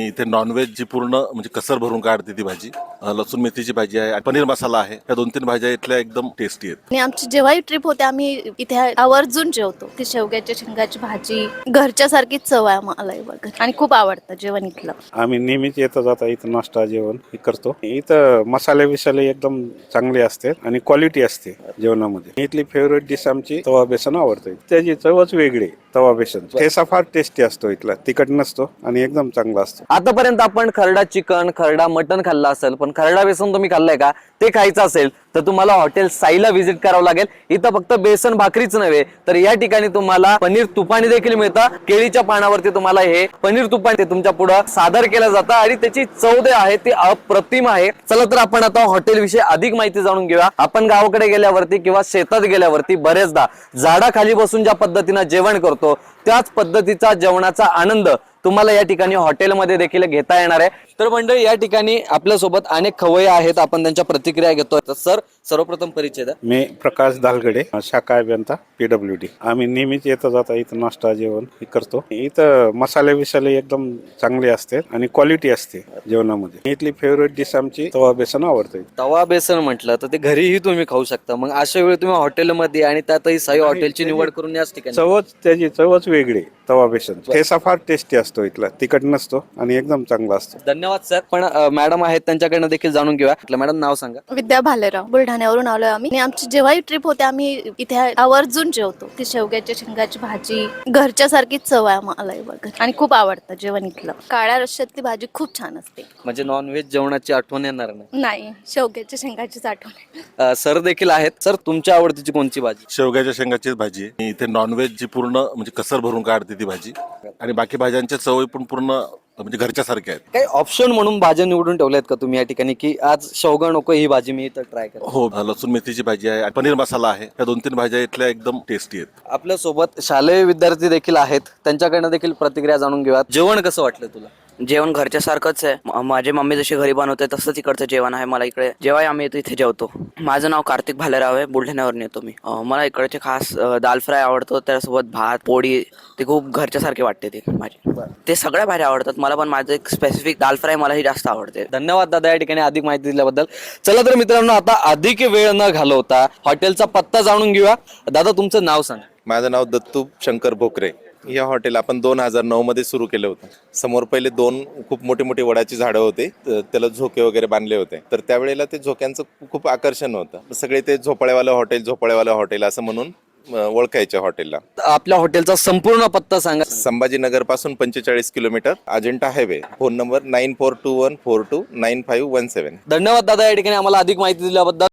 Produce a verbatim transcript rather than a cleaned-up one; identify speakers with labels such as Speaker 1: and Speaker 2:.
Speaker 1: इथे नॉनव्हेज जी पूर्ण म्हणजे कसर भरून काढते ती भाजी, अ, लसूण मेथीची भाजी आहे, पनीर मसाला आहे. या दोन तीन भाज्या इथल्या एकदम टेस्टी आहेत.
Speaker 2: आणि आमची जेव्हाही ट्रिप होते आम्ही इथे आवर्जून जेवतो. ती शेवग्याच्या शेंगाची भाजी घरच्या सारखीच चव आहे आम्हाला वगैरे आणि खूप आवडतं जेवण इथलं.
Speaker 3: आम्ही नेहमीच येतं जाता इथं नाश्ता जेवण हे करतो. इथं मसाले बिसाले एकदम चांगले असते आणि क्वालिटी असते जेवणामध्ये. इथली फेवरेट डिश आमची तवा बेसन आवडते. त्याची चवच वेगळी. तवा बेसन ठेसा फार टेस्टी असतो इथला, तिखट नसतो आणि एकदम चांगला असतो.
Speaker 4: आतापर्यंत आपण खरडा चिकन, खरडा मटन खाल्ला असेल, पण खरडा बेसन तुम्ही खाल्लाय का? ते खायचं असेल तर तुम्हाला हॉटेल साईला व्हिजिट करावं लागेल. इथं फक्त बेसन भाकरीच नव्हे तर या ठिकाणी तुम्हाला पनीर तुपाणी देखील मिळतं. केळीच्या पानावरती तुम्हाला हे पनीर तुपाणी ते तुमच्या पुढे सादर केलं जातं आणि त्याची चव जे आहे ती अप्रतिम आहे. चला तर आपण आता हॉटेल विषयी अधिक माहिती जाणून घेऊया. आपण गावाकडे गेल्यावरती किंवा शेतात गेल्यावरती बरेचदा झाडाखाली बसून ज्या पद्धतीनं जेवण करतो त्याच पद्धतीचा जेवणाचा आनंद तुम्हाला या ठिकाणी हॉटेलमध्ये देखील घेता येणार आहे. तर मंडळी या ठिकाणी आपल्या सोबत अनेक खवय्ये आहेत, आपण त्यांच्या प्रतिक्रिया घेतोय. तर सर सर्वप्रथम परिचय द्या.
Speaker 3: मी प्रकाश दालगडे, शाखा अभियंता पीडब्ल्यू डी. आम्ही नेहमीच येतं जाता इथं नाश्ता जेवण हे करतो. इथं मसाले बिसाले एकदम चांगले असते आणि क्वालिटी असते जेवणामध्ये. इथली फेवरेट डिश आमची तवा बेसन आवडते.
Speaker 4: तवा बेसन म्हटलं तर ते घरीही तुम्ही खाऊ शकता. मग अशा वेळी तुम्ही हॉटेलमध्ये आणि त्यातही साई हॉटेलची निवड करून याच ठिकाणी
Speaker 3: चवच त्याची चवच वेगळी. तवा बेसन ठेसा फार टेस्टी असतो इथला, तिखट नसतो आणि एकदम चांगला असतो.
Speaker 4: धन्यवाद सर. पण अ, मॅडम आहेत त्यांच्याकडनं देखील जाणून घेऊया. आपलं मॅडम नाव सांगा.
Speaker 2: विद्या भालेराव, बुलढाण्यावरून आलोय आम्ही. आणि आमची जेव्हाही ट्रिप होते आम्ही इथे आवर्जून जेवतो. ती शेवग्याच्या शेंगाची भाजी घरच्या सारखीच चव आहे आम्हाला वगैरे आणि खूप आवडतं जेवण इथलं. काळ्या रश्श्यातली भाजी खूप छान असते.
Speaker 4: म्हणजे नॉनव्हेज जेवणाची आठवण येणार नाही.
Speaker 2: नाही, शेवग्याच्या शेंगाचीच आठवण आहे.
Speaker 4: अ, सर देखील आहेत. सर तुमच्या आवडतीची कोणची भाजी?
Speaker 1: शेवग्याच्या शेंगाचीच भाजी आहे. इथे नॉनव्हेज जी पूर्ण म्हणजे कसर भरून काढते ती भाजी आणि बाकी भाज्यांच्या चव पण पूर्ण म्हणजे घरच्या सारख्या आहेत.
Speaker 4: काही ऑप्शन म्हणून भाज्या निवडून ठेवल्यात का तुम्ही या ठिकाणी की आज शेवगा नको ही भाजी मी इथं ट्राय करेन?
Speaker 1: हो, लसूण मेथीची भाजी आहे, पनीर मसाला आहे. या दोन तीन भाज्या इथल्या एकदम टेस्टी आहेत.
Speaker 4: आपल्या सोबत शालेय विद्यार्थी देखील आहेत, त्यांच्याकडनं देखील प्रतिक्रिया जाणून घेऊया. जेवण कसं वाटलं तुला?
Speaker 5: जेवण घरच्या सारखंच आहे. म- माझी मम्मी जशी घरी बनवते तसंच इकडचं जेवण आहे. मला इकडे जेव्हा आम्ही येतो इथे जेवतो. माझं नाव कार्तिक भालेराव आहे, बुलढाण्यावरून येतो मी. अं, मला इकडचे खास अं, दाल फ्राय आवडतो, त्यासोबत भात पोळी ते खूप घरच्या सारखे वाटते. ते माझी ते सगळ्या भाज्या आवडतात मला, पण माझं एक स्पेसिफिक दाल फ्राय मला ही जास्त आवडते.
Speaker 4: धन्यवाद दादा या ठिकाणी अधिक माहिती दिल्याबद्दल. चला तर मित्रांनो आता अधिक वेळ न घालवता हॉटेलचा पत्ता जाणून घेऊया. दादा तुमचं नाव सांगा.
Speaker 6: माझं नाव दत्तू शंकर भोकरे. हे हॉटेल आपण दोन हजार नऊ मध्ये सुरू केलं होतं. समोर पहिले दोन खूप मोठे मोठे वडाची झाडं होते, त- त्याला झोके वगैरे बांधले होते. तर त्यावेळेला ते झोक्यांचं खूप आकर्षण होतं. सगळे ते झोपाळ्यावालं हॉटेल झोपाळ्यावालं हॉटेल असं म्हणून अं, ओळखायच्या हॉटेलला.
Speaker 4: आपल्या हॉटेलचा संपूर्ण पत्ता सांगा.
Speaker 6: संभाजीनगर पासून पंचेचाळीस kilometre, Ajintha highway. Phone number nine four two one four two nine five one seven.
Speaker 4: धन्यवाद दादा या ठिकाणी आम्हाला अधिक माहिती दिल्याबद्दल.